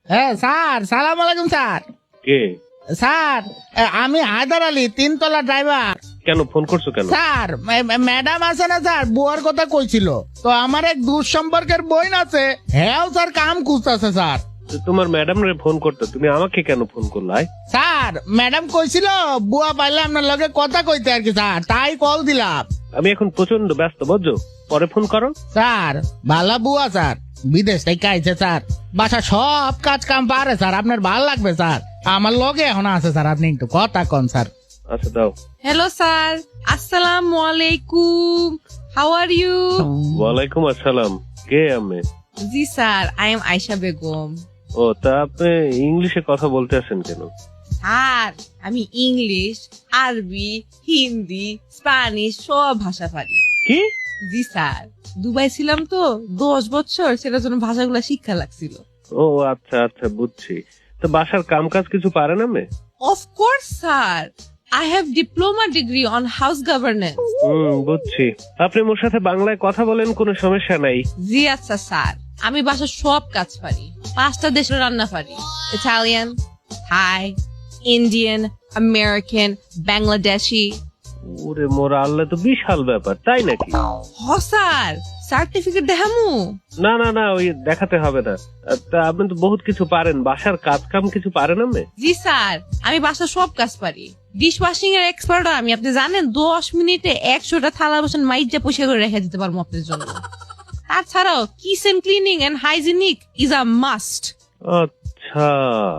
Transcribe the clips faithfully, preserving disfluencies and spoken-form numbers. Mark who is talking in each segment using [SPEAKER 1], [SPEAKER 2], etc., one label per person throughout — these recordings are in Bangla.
[SPEAKER 1] হ্যাঁ স্যার, সালাম আলাইকুম স্যার।
[SPEAKER 2] কে?
[SPEAKER 1] স্যার আমি হায়দার আলী, তিনতলা ড্রাইভার।
[SPEAKER 2] কেন ফোন করছো কেন?
[SPEAKER 1] স্যার ম্যাডাম আছে না স্যার, বুয়ার কথা কইছিল, তো আমার এক দূর সম্পর্কের বইন আছে, হ্যাঁ স্যার কাম খুঁজতেছে স্যার।
[SPEAKER 2] তোমার ম্যাডাম রে ফোন করতে, তুমি আমাকে কেন ফোন করলাই?
[SPEAKER 1] স্যার ম্যাডাম কইছিল বুয়া পাইলে আপনার লগে কথা কইতে আর কি স্যার, তাই কল দিলাম।
[SPEAKER 2] আমি এখন প্রচন্ড ব্যস্ত, বুঝছো, পরে ফোন করো।
[SPEAKER 1] স্যার ভালো বুয়া স্যার, বিদেশ থেকে আইছে স্যার, বাসা সব কাজ কাম পারে স্যার, আপনার ভাল লাগবে স্যার, আমার লগে এখন আছে স্যার, আপনি একটু কথা কন স্যার।
[SPEAKER 2] আচ্ছা দাও।
[SPEAKER 3] হ্যালো স্যার, আসসালামু আলাইকুম, হাউ আর ইউ?
[SPEAKER 2] ওয়ালাইকুম আসসালাম। কে আমি?
[SPEAKER 3] জি sir, I am Ayesha Begum.
[SPEAKER 2] ও, তা আপনি ইংলিশে কথা বলতে আসেন কেন?
[SPEAKER 3] স্যার আমি ইংলিশ, আরবি, হিন্দি, স্প্যানিশ সব ভাষা পারি।
[SPEAKER 2] কি?
[SPEAKER 3] জি স্যার, দুবাই ছিলাম তো দশ বছর, সেটার জন্য ভাষাগুলো শিক্ষা লাগছিল।
[SPEAKER 2] ও আচ্ছা আচ্ছা, বুঝছি। তো বাসার কাম কাজ কিছু পারেন আমি?
[SPEAKER 3] Of course sir, I have diploma degree on house governance.
[SPEAKER 2] হুম, বুঝছি। আপনি মোর সাথে বাংলায় কথা বলেন, কোনো সমস্যা নাই।
[SPEAKER 3] জি আচ্ছা স্যার, আমি বাসার সব কাজ পারি, পাঁচটা দেশের রান্না পারি, Italian, Thai, Indian, American, Bangladeshi.
[SPEAKER 2] ওরে মোর আল্লাহ, তো বিশাল ব্যাপার, তাই নাকি?
[SPEAKER 3] হ স্যার, সার্টিফিকেট দেখামু?
[SPEAKER 2] না না না, ওই দেখাতে হবে না। তা আপনি তো বহুত কিছু পারেন, বাসার কাজ কাম কিছু পারেন আমি?
[SPEAKER 3] জি স্যার, আমি বাসার সব কাজ পারি, ডিশ ওয়াশিং এর এক্সপার্ট আমি, আপনি জানেন দশ মিনিটে একশোটা থালা বাসন মাইজা পয়সা করে রেখে দিতে পারবো আপনার জন্য। তাছাড়াও kitchen cleaning and hygienic is a must.
[SPEAKER 2] আচ্ছা।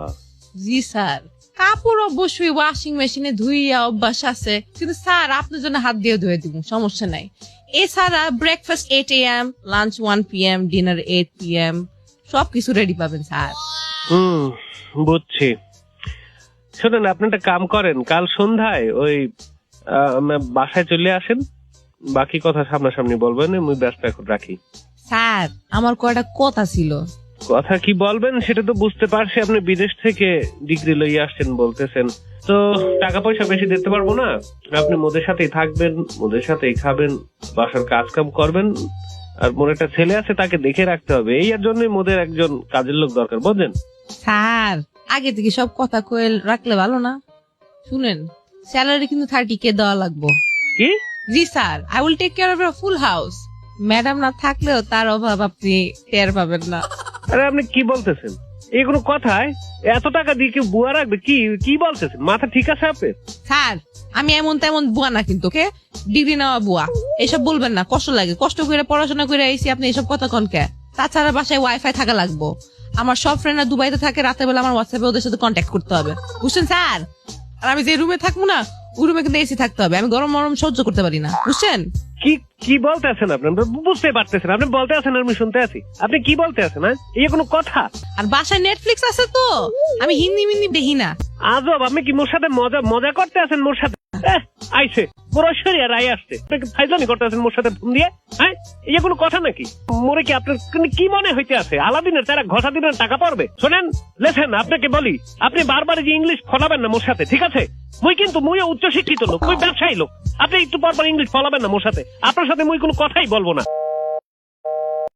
[SPEAKER 3] জি স্যার, কাপড় অবশ্যই ওয়াশিং মেশিনে ধুইয়া অভ্যাস আছে, কিন্তু স্যার আপনার জন্য হাত দিয়ে ধুয়ে দিব, সমস্যা নাই। এছাড়া breakfast eight A M, lunch one P M, dinner eight P M, সবকিছু রেডি পাবেন স্যার।
[SPEAKER 2] হুম, বুঝছি। শোনেন, আপনি একটা কাম করেন, কাল সন্ধ্যায় ওই আহ, বাসায় চলে আসেন, বাকি কথা সামনাসামনি বলবেন, আমি ব্যস্ত এখন রাখি।
[SPEAKER 3] স্যার আমার কয়টা কথা ছিল।
[SPEAKER 2] কথা কি বলবেন সেটা তো বুঝতে পারছি, আপনি বিদেশ থেকে ডিগ্রি লইয়া আসছেন বলতেছেন, তো টাকা পয়সা বেশি দিতে পারবো না। আপনি মোদের সাথেই থাকবেন, মোদের সাথেই খাবেন, বাসার কাজ কাম করবেন, আর মোর একটা ছেলে আছে তাকে দেখে রাখতে হবে, এই আর জন্যই মোদের একজন কাজের লোক দরকার, বুঝলেন?
[SPEAKER 3] স্যার আগে থেকে সব কথা কয়ে রাখলে ভালো না? শুনেন, স্যালারি কিন্তু থার্টি কে দেওয়া লাগবো।
[SPEAKER 2] কি?
[SPEAKER 3] জি sir, I will take care of your full house. Madam না থাকলেও তার অভাব আপনি টের পাবেন না।
[SPEAKER 2] আরে আপনি কি বলতেছেন? এই কোনো কথায় এত টাকা দিয়ে কেউ বুয়া রাখবে? কি কি বলতেছেন? মাথা ঠিক আছে আপনার?
[SPEAKER 3] স্যার আমি এমন তেমন বুয়া না কিন্তু, ওকে? ডিগ্রি নেওয়া বুয়া, এসব বলবেন না, কষ্ট লাগে, কষ্ট করে পড়াশোনা করে আইসি, আপনি এসব কথা কন কে? তাছাড়া বাসায় ওয়াইফাই থাকা লাগবো, আমার সব ফ্রেন্ডরা দুবাইতে থাকে, রাতের বেলা আমার হোয়াটসঅ্যাপে ওদের সাথে কন্ট্যাক্ট করতে হবে, বুঝছেন স্যার? আর আমি যে রুমে থাকবো না, ওই রুমে কিন্তু এসি থাকতে হবে, আমি গরম গরম সহ্য করতে পারি না, বুঝছেন?
[SPEAKER 2] কি কি বলতে আছেন আপনি? বুঝতে পারতেছেন? আপনি বলতে আছেন আর আমি শুনতে আছি, আপনি কি বলতে আছেন? হ্যাঁ, এই কোনো কথা?
[SPEAKER 3] আর বাসায় নেটফ্লিক্স আছে তো, আমি হিন্দি মিন্দি দেখি না।
[SPEAKER 2] আজব, আপনি কি মোর সাথে মজা মজা করতে আছেন? মোর সাথে এহ, আইছে পুরোশ্বরী আর আই আসছে, ফাইজলামি করতে আছেন মোর সাথে ফোন দিয়ে? হ্যাঁ, এই কোনো কথা নাকি? মোরে কি আপনার কি মনে হইতে আছে আলাদিনের তারা ঘষা দিনের টাকা পড়বে? শোনেন, লেখেন, আপনাকে বলি, আপনি বারবার যে ইংলিশ ফলাবেন না মোর সাথে, ঠিক আছে? মুই কিন্তু মুই উচ্চ শিক্ষিত লোক, মুই ব্যবসায়ী লোক, আপনি একটু পর পর ইংলিশ ফলাবেন না মোর সাথে, আপনার সাথে মুই কোনো কথাই বলবো না।